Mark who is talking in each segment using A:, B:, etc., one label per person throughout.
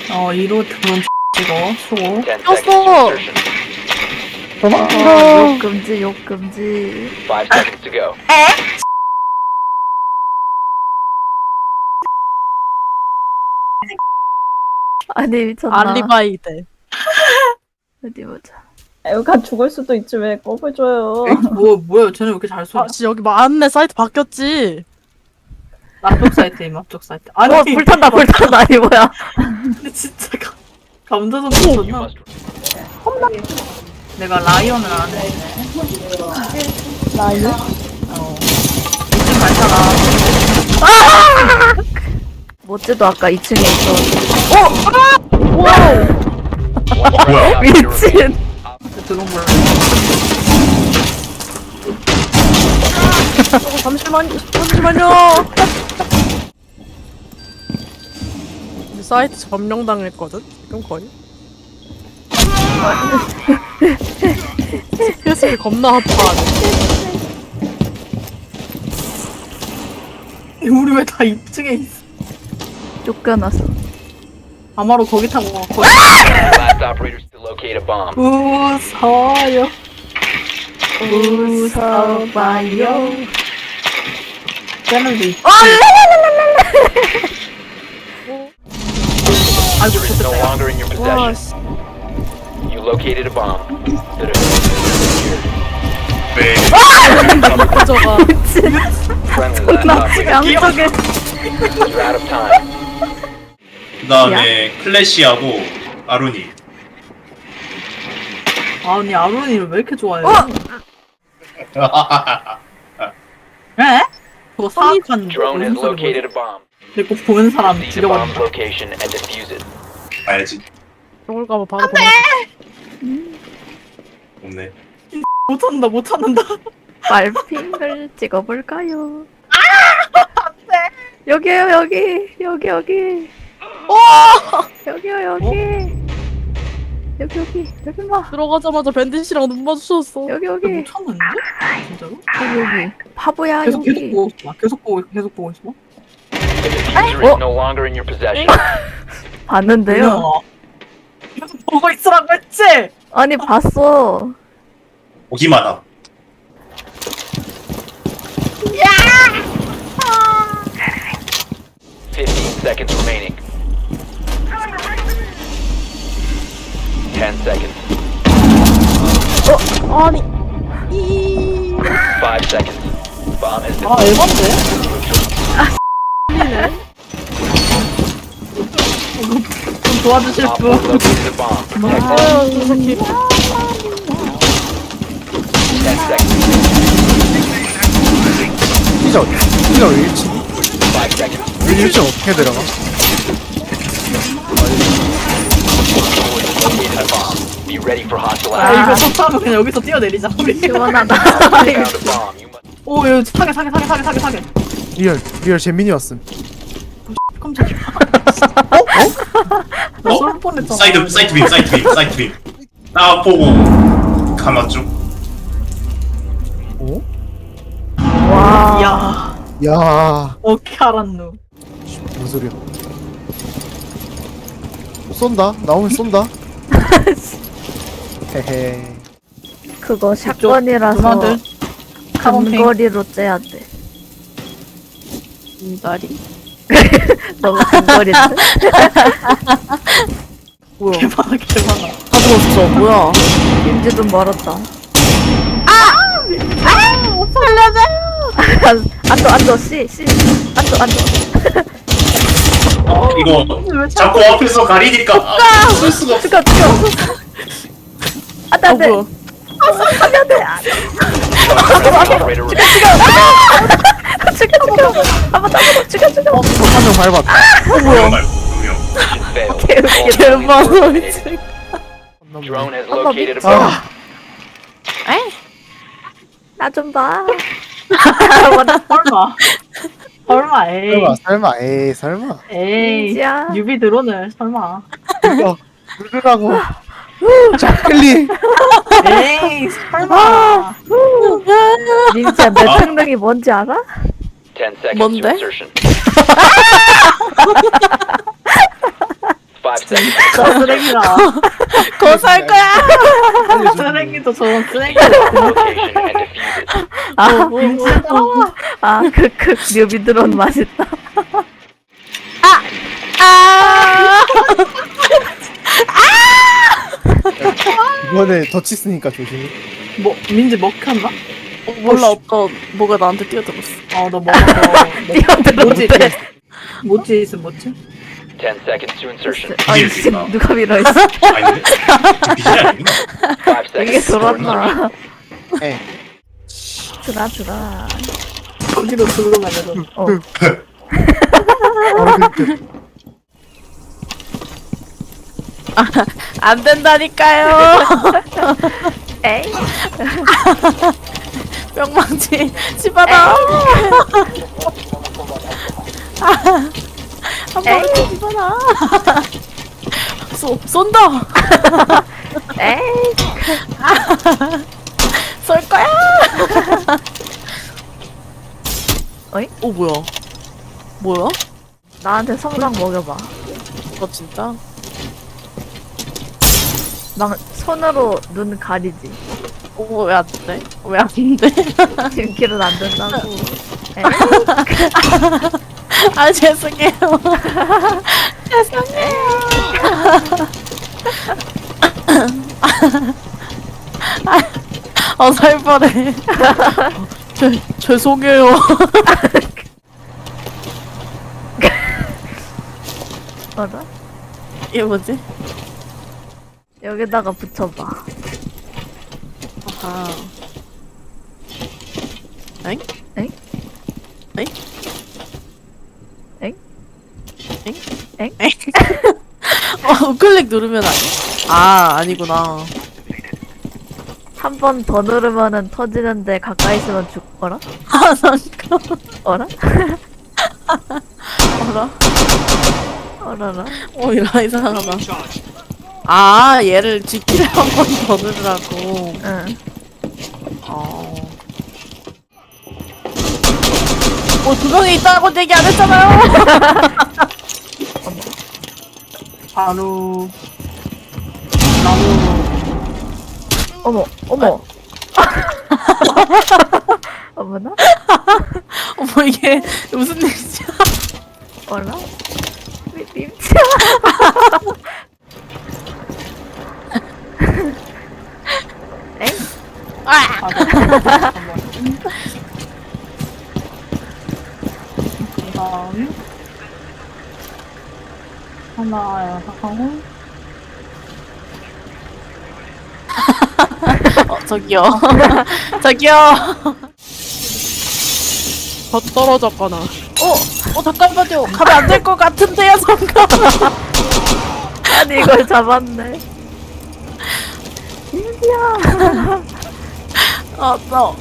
A: 2로 드론 찍어, 수고.
B: 꼈어!
C: 욕 금지, 욕 금지.
D: 5 seconds to go.
C: 아니, 미쳤나.
B: 알리바이 돼.
C: 어디 보자.
E: 애가 죽을 수도 있지 왜 꼽을 줘요.
A: 뭐야, 쟤네 왜 이렇게 잘 쏘냐?
B: 아, 씨, 여기 맞네. 사이트 바뀌었지.
A: 앞쪽 사이트임, 앞쪽 사이트. 아니,
C: 불탄다, 불탄다. 아니, 뭐야.
A: 근데 진짜 감자전
D: You
A: 쳤나?
D: must
A: 내가 라이언을 안 해.
E: 라이언?
A: 이쯤 갈잖아.
C: 모찌도 아까 2층에 있어.
D: One
C: 미친.
D: op remaining.
A: 드론 몰라.
B: 잠시만요. 우리 사이트 점령당했거든? 지금 거의? 스페이스를 겁나 핫하네.
A: 우리 왜 다 2층에 있어?
C: 쫓겨났어.
A: 아마로 거기 타고 거기
D: Last operators to locate a bomb.
A: 웃어요.
C: 웃어봐요.
A: 쟤네도 있어. 아이고,
D: Is no
A: 좋겠다.
D: longer in your
B: 와,
D: possession.
B: 씨.
D: You located a bomb. The diffuser
B: 가져가.
D: is secured. Friendly last operator.
C: 양쪽에.
D: You're out of time.
F: 그 다음에 클래시하고 아루니.
A: 아니, 아론이를 왜 이렇게 좋아해? 에? 그거 사악한
D: Drone has
A: 웃음소리
D: located
A: 뭐지?
D: a bomb.
A: 그리고 보는 사람
D: Seize the bomb's
A: 죽여버린다.
D: location and defuse it.
F: 봐야지.
B: 저걸 가면 바로 보내.
F: 없네.
A: 못 찾는다, 못 찾는다.
C: 빨핑을 찍어볼까요? 여기요, 여기. 여기, 여기. 여기요, 여기. 여기. 여기 봐.
B: 들어가자마자 밴딧이랑 눈 마주쳤어.
C: 여기, 여기.
A: 못 찾는데? 진짜로?
C: 여기. 바보야,
A: 계속
C: 여기.
A: 보고 있어. 계속 보고 있어.
D: The diffuser is no longer in your possession.
C: 봤는데요?
A: 뭐야? 계속 보고 있으라고 했지?
C: 아니, 봤어.
F: 보기만 함.
D: Ah! 15 seconds remaining. 10 seconds.
B: 아니.
D: 5 seconds. Bomb has been
A: 아, 에반데? 좀 도와주실
D: Op
A: 분.
D: 4 located a bomb.
B: 아유, 저 새끼.
D: 10 seconds.
G: 피자 1층
D: 5 seconds.
G: 1층 어떻게 들어가?
D: Located a bomb. Be ready for hostile
A: 아,
D: action.
A: 이거 석사하면 그냥 여기서 뛰어내리자, 우리.
C: 시원하다.
D: Found a bomb. You must
A: 오, 여기 사게.
G: 리얼 재민이 왔음.
A: 깜짝이야. 나 쏠 뻔했잖아.
F: 사이트 빔. 딱 보고 감았죠.
G: 어?
C: 와.
A: 야,
G: 야,
A: 어떻게 알았노?
G: 뭔 소리야? 쏜다. 나오면 쏜다. 헤헤.
C: 그거 샷건이라서
A: 누나들 카본핑.
C: 근거리로 째야 돼.
B: 인다리.
C: 너무 근거리인데?
B: 뭐야.
A: 개많아.
B: 다 죽었어. 뭐야.
C: 임지 좀 멀었다.
A: 살려줘.
C: 앉아, 씨. 앉아.
F: 이거
A: 왜
F: 자꾸 앞에서 가리니까 쓸 수가 없어.
C: 죽여. 안 돼.
B: 뭐야.
D: operator remaining.
C: 죽여. 한번 죽여.
G: 한명 밟았다.
F: 정말 분명.
D: Mission failed.
C: 개웃기다.
D: All friendlies eliminated. Drone has located a bomb.
C: 나 좀 봐.
A: 설마, 에이.
G: 설마.
A: 에이.
C: 민지야.
A: 유비 드론을, 설마.
G: 이거 누르라고. 자클리.
A: 에이, 설마.
C: 민지야, 내 특능이 뭔지 알아?
D: 10 seconds
B: 뭔데?
D: to insertion. 5 seconds.
A: 저 쓰레기라.
B: 거살 거야.
A: 쓰레기도 저런 쓰레기.
D: Location and defuse it.
C: 아, 크크, 뮤비드론 맛있다.
B: 아.
G: 이번에 덫 있으니까 조심히.
A: 뭐 민지 먹혔나?
B: 몰라 어떤 뭐가 나한테 뛰어들었어.
A: 너 먹었어. 뭐지? 뭐지 있음 뭐지?
D: 10 seconds to insertion.
C: 아니, 지금 누가 밀어있어?
F: 아닌데? 비실이 아니구나.
D: 5
C: 이게
D: seconds.
C: 돌았나?
G: 에.
C: 주라.
A: 어디로 들어가냐 너.
G: 바로 그
B: 안 된다니까요.
C: 에이,
B: 뿅망치 집어넣어. 한 번에 집어넣어. 쏜다.
C: 에이,
B: 쏠 거야.
C: 어이?
B: 오 뭐야?
C: 나한테 성당 먹여봐.
B: 진짜?
C: 막 손으로 눈 가리지.
B: 오 왜 안 돼? 왜 안 돼?
C: 지름길은 안 된다고. 에이,
B: 아 죄송해요. 죄송해요. 살 뻔해. 죄송해요.
C: 어라?
B: 이게 뭐지?
C: 여기다가 붙여봐.
B: 아. 엥?
C: 엥?
B: 엥?
C: 엥?
B: 엥?
C: 엥?
B: 엥? 우클릭 누르면 아니? 아니구나.
C: 한 번 더 누르면은 터지는데 가까이 있으면 죽어라?
B: 잠깐.
C: 어라?
B: 어라?
C: 어라라?
B: 이라 이상하다. 얘를 G키를 한 번 더 누르라고.
C: 응.
B: 두 명이 있다고 얘기 안 했잖아요.
A: 바로 나무.
C: 어머. 어머나?
B: 이게 무슨 일이지?
C: 어라? 님치. 엥?
A: 그다음 하나 하고
B: 저기요. 더 떨어졌거나. 잠깐만요. 가면 안 될 것 같은데요, 잠깐만.
C: 아니 이걸 잡았네. 님치야.
B: 너.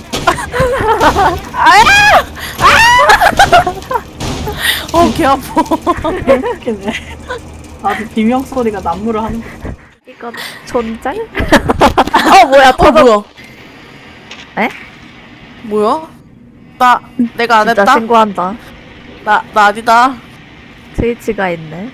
B: 개 아파.
A: 웃기네. 나도 비명 소리가 난무를 하는 거.
C: 이거 존잘? 뭐야
B: 뭐야?
C: 에?
B: 뭐야? 내가 안
C: 진짜
B: 했다?
C: 신고한다.
B: 나 아니다.
C: 트위치가 있네.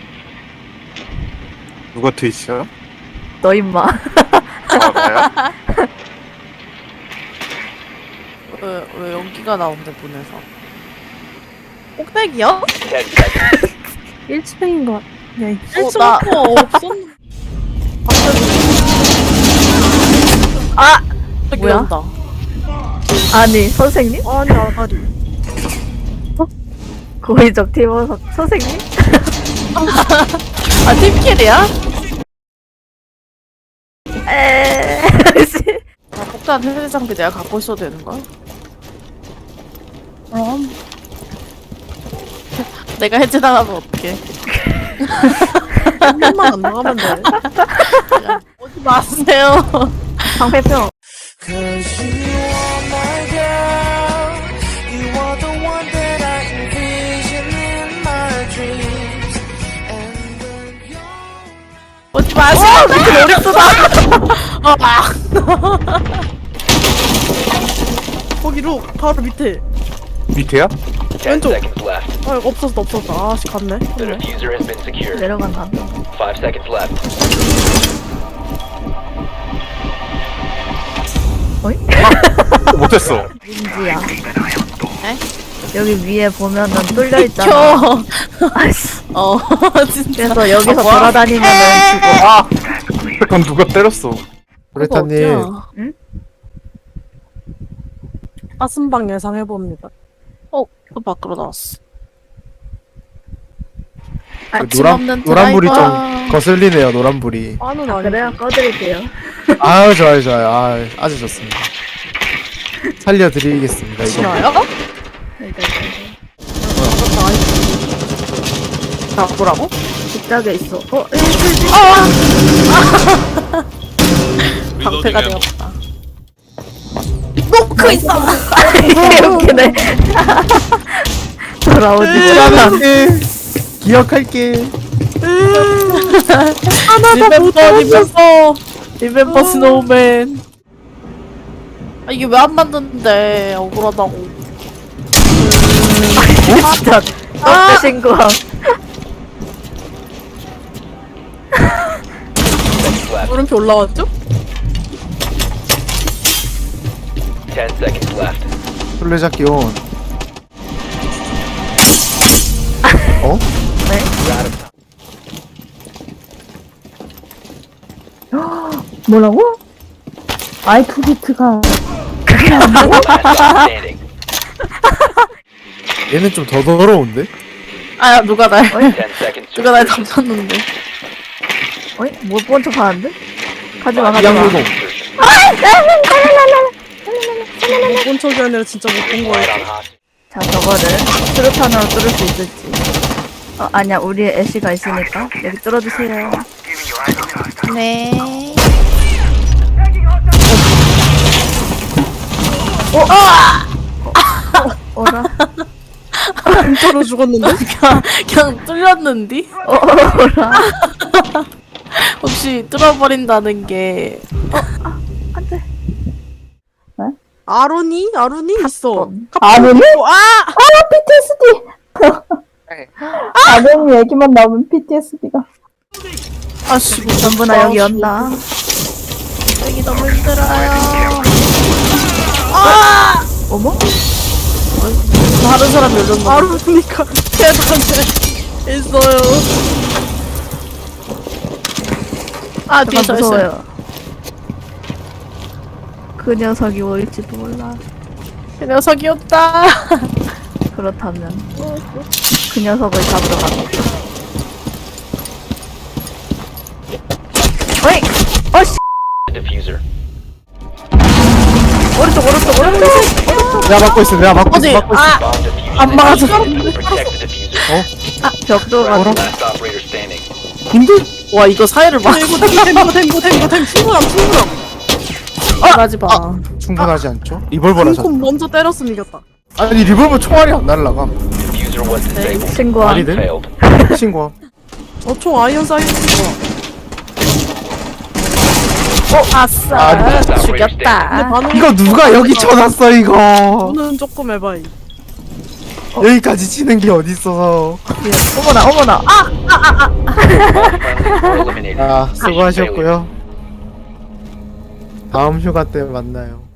G: 누가 트위치야?
C: 너 임마.
G: 나요?
B: 왜 연기가 나온대, 문에서. 꼭대기요?
D: 10 seconds.
A: 1층인 것 같아. 야,
B: 1층 없었는데.
C: 뭐야?
B: 온다.
C: 아니 선생님?
B: 아니, 아가리.
C: 고의적 팀워서 선생님?
B: 팀킬이야?
C: 에이.
B: 폭탄 해제 장비 내가 갖고 있어도 되는 거야?
A: 그럼
B: 내가 해제당하면 어떡해. 한 명만 안 나가면 돼. 야, 오지 마세요.
C: 방패병.
H: Cause you are my girl. You are the one that I envision in my dreams. And when you're
B: 오지 마세요. 밑에 머리 쏟아. 거기로 바로 밑에.
G: 밑에야?
D: 10
B: 왼쪽.
D: seconds left.
B: 아 이거 없었다. 아씨 갔네.
D: The diffuser has been secured.
C: 내려간다.
D: 5 seconds left.
G: 못했어.
C: 민지야. 여기 위에 보면은 뚫려 있잖아. 아씨.
B: 진짜.
C: 그래서 여기서 돌아다니면은 죽어.
G: 아! 잠깐 누가 때렸어.
A: 브레타님.
C: 응?
B: 가슴방 예상해봅니다.
A: 또 밖으로 나왔어.
G: 노란불이 좀 거슬리네요. 노란불이.
B: 아는 아니.
C: 그래요? 꺼드릴게요.
G: 아유 좋아요 좋아요. 아, 아주 좋습니다. 살려드리겠습니다. 이거.
B: 싫어요?
A: 나 뭐라고?
C: 직작에 있어.
A: 방패가 되었다.
B: 노크 있어.
C: 웃기네. 돌아오지 못하다.
G: 기억할게.
A: 리멤버 스노우맨. 아, 이게 왜 안 만드는데 억울하다고.
C: 진짜 떡대 신고함.
D: Seconds left.
B: 물음표 올라왔죠?
D: 10 seconds left.
G: 술래잡기 온. 어?
E: 뭐라고? 아이투비트가
D: Last stop standing.
G: 얘는 좀 더 더러운데?
A: 아, 누가 날
D: 10 seconds to
A: 누가 날
D: insertion.
A: 덮쳤는데.
C: 어이? 못본 척 하는데? 가지마, 가지마.
G: 양노동.
B: 못본 척이 아니라 진짜 못 본 거예요.
D: Right on hostage.
C: 자, 저거를 수류탄으로 뚫을 수 있을지. 아니야. 우리의 애쉬가 있으니까. 여기 뚫어주세요.
A: 네.
C: 어라?
B: 진짜로 죽었는데?
A: 그냥 뚫렸는디?
C: 어라?
A: 혹시 뚫어버린다는 게
C: 안 돼.
B: 아론이 있어.
E: 아론이?
B: 아!
E: PTSD! 아론이 얘기만 나오면 PTSD가
A: 아씨
C: 전부 다 여기 연다.
A: 여기 너무 힘들어요.
C: 어머?
A: 다른 사람 열렸나?
B: 아론이니까 계단에 있어요.
A: 아 뒤에
C: 잠깐
A: 서 있어요.
C: 무서워요. 그 녀석이 올지도 몰라.
A: 그 녀석이었다.
C: 그렇다면 그 녀석을 잡으러 가자. 어이! 어씨!
D: Diffuser.
C: 오른쪽!
G: 내가 막고 있어. 내가 막고
A: 어디?
G: 있어. 막고 있어.
A: 아,
D: Bomb diffusion.
A: 안 맞아.
D: Protect the diffuser.
C: 벽 들어가.
D: Last operator standing.
G: 힘들?
A: 와 이거 사이를 막
B: 탱고 충분함.
A: 하지 마.
G: 충분하지 않죠? 리볼버라 졌.
B: 콩 먼저 때렸으면 이겼다.
G: 아니 리볼버 총알이 안 날라감.
D: Diffuser was disabled.
C: 친구야.
G: 말이 돼?
D: Failed.
G: 친구야.
B: 총 아이언 사이즈.
A: 아싸
G: 아,
B: 근데
A: 죽였다.
B: 반응
G: 이거 누가 여기 쳐놨어 이거.
B: 는 조금 해봐이.
G: 여기까지 치는 게 어딨어.
C: 어머나. 아!
D: All friendlies were eliminated.
G: 아 수고하셨고요. 다음 휴가 때 만나요.